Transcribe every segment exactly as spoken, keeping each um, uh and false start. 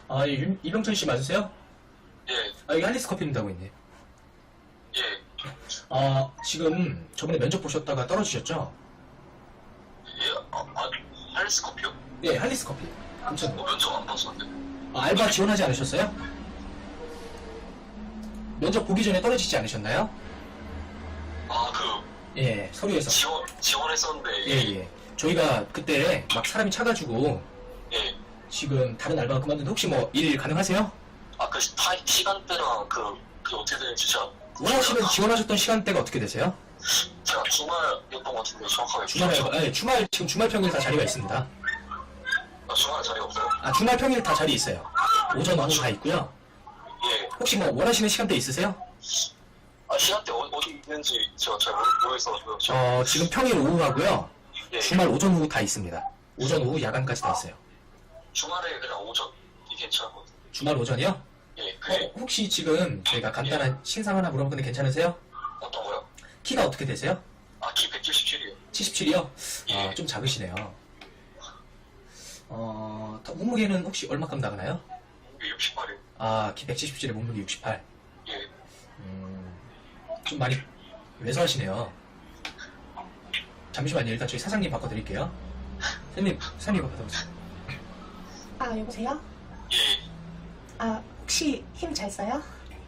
아, 이, 이병철 씨 맞으세요? 예, 아, 여기 할리스 커피입니다 하고 있네. 예, 아, 지금 저번에 면접 보셨다가 떨어지셨죠? 예, 아, 아, 할리스 커피요? 네, 할리스 커피. 아무튼, 어, 면접 안 봤었는데. 아, 알바 지원하지 않으셨어요? 면접 보기 전에 떨어지지 않으셨나요? 아, 그, 예, 서류에서. 지원, 지원했었는데. 예, 예. 저희가 그때 막 사람이 차가지고 예. 지금 다른 알바 그만둔데 혹시 뭐 일 가능하세요? 아, 그, 타, 시간대랑 그, 그 어떻게 되는지 진짜. 원하시는 지원하셨던 시간대가 어떻게 되세요? 제가 주말이었던 것 같은데, 정확하게. 주말에, 기억이 안 예, 주말, 지금 주말 평일 다 자리가 있습니다. 나요. 아, 주말에 자리가 없어요. 아, 주말 평일 다 자리 있어요. 오전, 오후 다 있고요. 예. 혹시 뭐 원하시는 시간대 있으세요? 아, 시간대 어, 어디 있는지 제가 잘 모르, 모르겠어가지고요. 저, 어, 지금 평일 오후 하고요. 예. 주말 오전, 오후 다 있습니다. 오전, 오후, 야간까지 다 있어요. 주말에 그냥 오전이 괜찮은 것 같아요. 주말 오전이요? 예, 어, 그게 혹시 지금 저희가 간단한 신상 하나 물어보는데 괜찮으세요? 어떤 거요? 키가 어떻게 되세요? 아, 키 백칠십칠이요. 칠십칠이요? 예. 아, 좀 작으시네요. 어, 더- 몸무게는 혹시 얼마큼 나가나요? 육십팔이요. 아, 키 백칠십칠에 몸무게 육십팔. 예. 음, 좀 많이 왜소하시네요. 잠시만요. 일단 저희 사장님 바꿔드릴게요. 사장님, 사장님 바꿔드리세요. 아, 여보세요? 예. 아, 혹시 힘 잘 써요?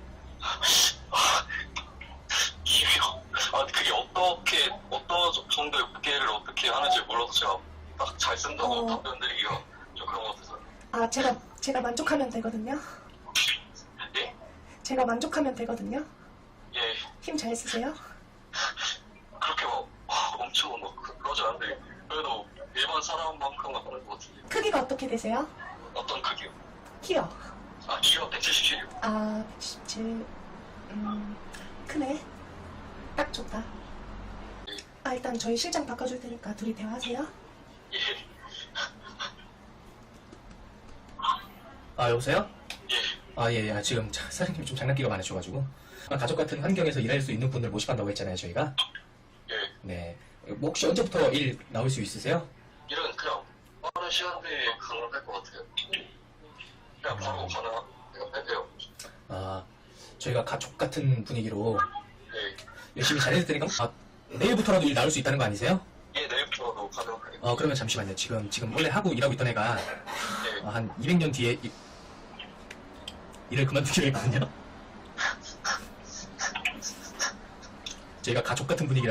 이게요. 아, 그게 어떻게, 어떤 정도의 무게를 어떻게 하는지 몰라서 제가 딱 잘 쓴다고 어. 답변 드리기가 좀 그런 것 같아서. 아, 제가, 제가 만족하면 되거든요? 예? 제가 만족하면 되거든요? 예. 힘 잘 쓰세요? 그렇게 막, 와, 엄청 막 그- 그러지 않는데, 그래도 일반 사람만큼은 하는 것 같은데. 크기가 어떻게 되세요? 어떤 크기요? 키요? 아, 키가 백칠십칠이요. 아, 백십칠. 음, 크네. 딱 좋다. 아, 일단 저희 실장 바꿔줄 테니까 둘이 대화하세요. 예. 아, 여보세요? 예. 아, 예, 예. 지금 자- 사장님이 좀 장난기가 많으셔가지고. 아, 가족 같은 환경에서 일할 수 있는 분들 모집한다고 했잖아요, 저희가. 예. 네. 뭐 혹시 언제부터 일 나올 수 있으세요? 이런 그냥 빠른 시간대에 가능할 것 같아요. 그냥 바로 가능해요. 아, 저희가 가족 같은 분위기로 예. 열심히 잘해줄 테니까, 아, 내일부터라도 일 나올 수 있다는 거 아니세요? 예, 내일부터도 가능하게. 어, 그러면 잠시만요. 지금, 지금 원래 하고 일하고 있던 애가 예. 어, 한 이백 년 뒤에 이- 일을 그만두기로 했거든요. 저희가 가족 같은 분위기라